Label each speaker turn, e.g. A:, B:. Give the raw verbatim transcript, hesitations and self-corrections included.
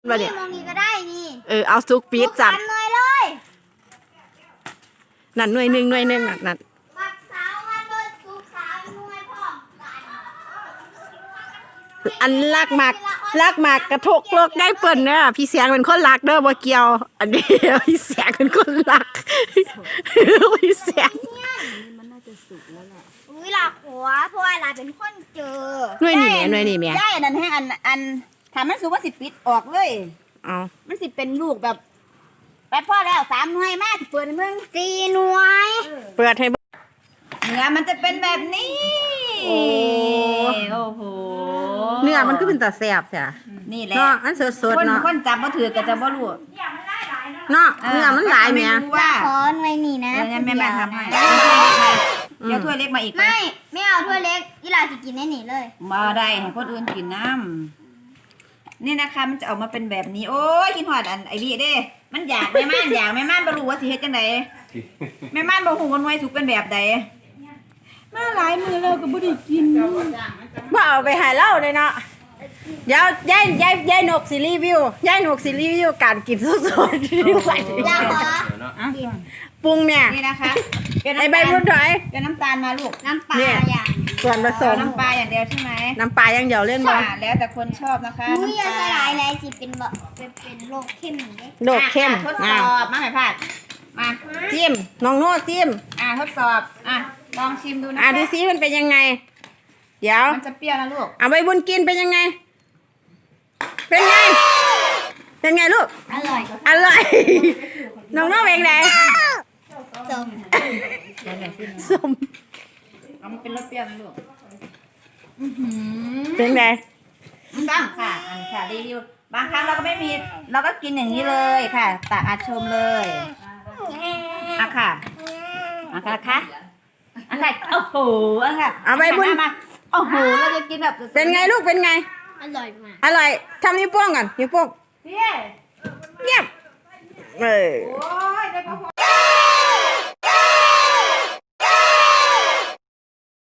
A: มาเนี่ย
B: มองนี้ก็ได้นี่
A: เออเอาซุกปี๊ดจัด
B: สามหน่วยเลย
A: นั่นหน่วยหนึ่งหน่วยหนึ่งนั่นนั่น
B: บักสาววันเบิดสุกสามหน่วยพร้อมกัน
A: อันลากหมากลากหมากกระทกโลกได้เปิ่นเนี่ยพี่เสียงเป็นคนรักเด้อบ่เกี่ยว อันนี้พี่เสียงเป็นคนรักพี่เสียง
C: มันน่าจะสุกแล้วแหละ
B: อุ้ยหลักหัวเพราะว่าหลานเป็นคนเจอ
A: หน่วยนี่แม่หน่วยนี่แม่
C: ย่ายอันนั้นให้อันอันถามมันสุกว่าสิปิดออกเลย
A: เอา
C: มันสิเป็นลูกแบบไปพ่อแล้วสามหน่วยมาสิเปิดให้มึง
B: สี่หน่วย
A: เปิดให้เบิ่ง
C: เนื้อมันจะเป็นแบบนี้
A: โอ้
C: โอ้โห
A: เนื้อมันก็เป็นตาแซ่บใช่
C: นี่แหละ
A: เนาะอันสด
C: ค
A: ๆ
C: น
A: เนาะ
C: คนจับมาถือก็จะบ่รู้
A: เนาะเนื้อมันหลายแม่
C: รู้ว่า
B: ขอหน่วยนี่นะ
C: เอองั้นแม่มาทำให้
A: อืม
C: เดี๋ยวถ้วยเล็กมาอีกไหม
B: ไม่ไม่เอาถ้วยเล็กอีหลาจะกินได้หนีเลย
C: มาได้ให้คนอื่นกินน้ำนี่นะคะมันจะออกมาเป็นแบบนี้ โอ้ยกินหอดอันไอวีเด้ มันอยากแม่ม่านอยากแม่ม่านบ่รู้ว่าสิเฮ็ดจังไดแม่ม่านบ่ฮู้ว่าหน่วยสุกเป็นแบบใดมาหลายมือแล้วก็บ่ได้กิน
A: บ่เอาไปใหายเล่าเลยเนาะเดี๋ยวยายยายยายนกสิรีวิวยายนกสิรีวิวการกินสดๆที่ใส่
B: อยากขอ
C: อ่ะ
A: ปรุงเนี่ย
C: นี่นะคะเดี๋ยว
A: ไอ
C: น้ำ
A: ใบ
C: ตาล
A: บุญถอย
C: เดี๋ยวน้ำตาลมาลูก
B: น้ำปลา
A: เนี่ย
B: อย่าง
A: ส่วนผส
C: เอา
A: ม
C: น้ำปลาอย่างเดียวใช่ไหม
A: น้ำปลาอย่างเดียวเล่นบ่
C: อ่าแล้วแต่คนชอบนะคะ
B: อุ้ยอย่า
C: น้ำ
B: ส
C: ป
B: ลายเลยสิเป็นแบบเป็นเป็นโรคเข้มอย่างเงี้ย
A: โดดเข้ม
C: อ่ะทดส
A: อ่ะ
C: อบมาให้พลาดมา
A: จิ้มน้องโน่จิ้ม
C: อ่าทดสอบ อ่ะ ลองชิมดูนะ
A: อ่ะ
C: คะ
A: ดูซิมันเป็นยังไง เดี๋ยว
C: มันจะเปรี้ยวนะลูก
A: เอาใบบุญกินเป็นยังไง เป็นไง เป็นไงลูก
B: อร่อย
A: อร่อย น้องโน่เป็นไง
B: จม
A: ส้ม
C: เอามันเป็นรสเปรี้ยวนะลูก
A: เป็นไง
C: บ้างค่ะ อันค่ะรีวิว บางครั้งเราก็ไม่มี เราก็กินอย่างนี้เลยค่ะตักอาชมเลยอ่ะค่ะอ่ะค่ะค่ะอ่ะค่ะโอ้โหอ่ะค่ะ
A: เอาใบบุญ
C: มามาโอ้โห เราจะกินแบบ
A: เป็นไงลูก เป็นไง
B: อร่อยมาก
A: อร่อยทำนิ้วโป้งก่อนนิ้วโป้ง
C: พี่
A: เยี่ยมเออ
C: โอ้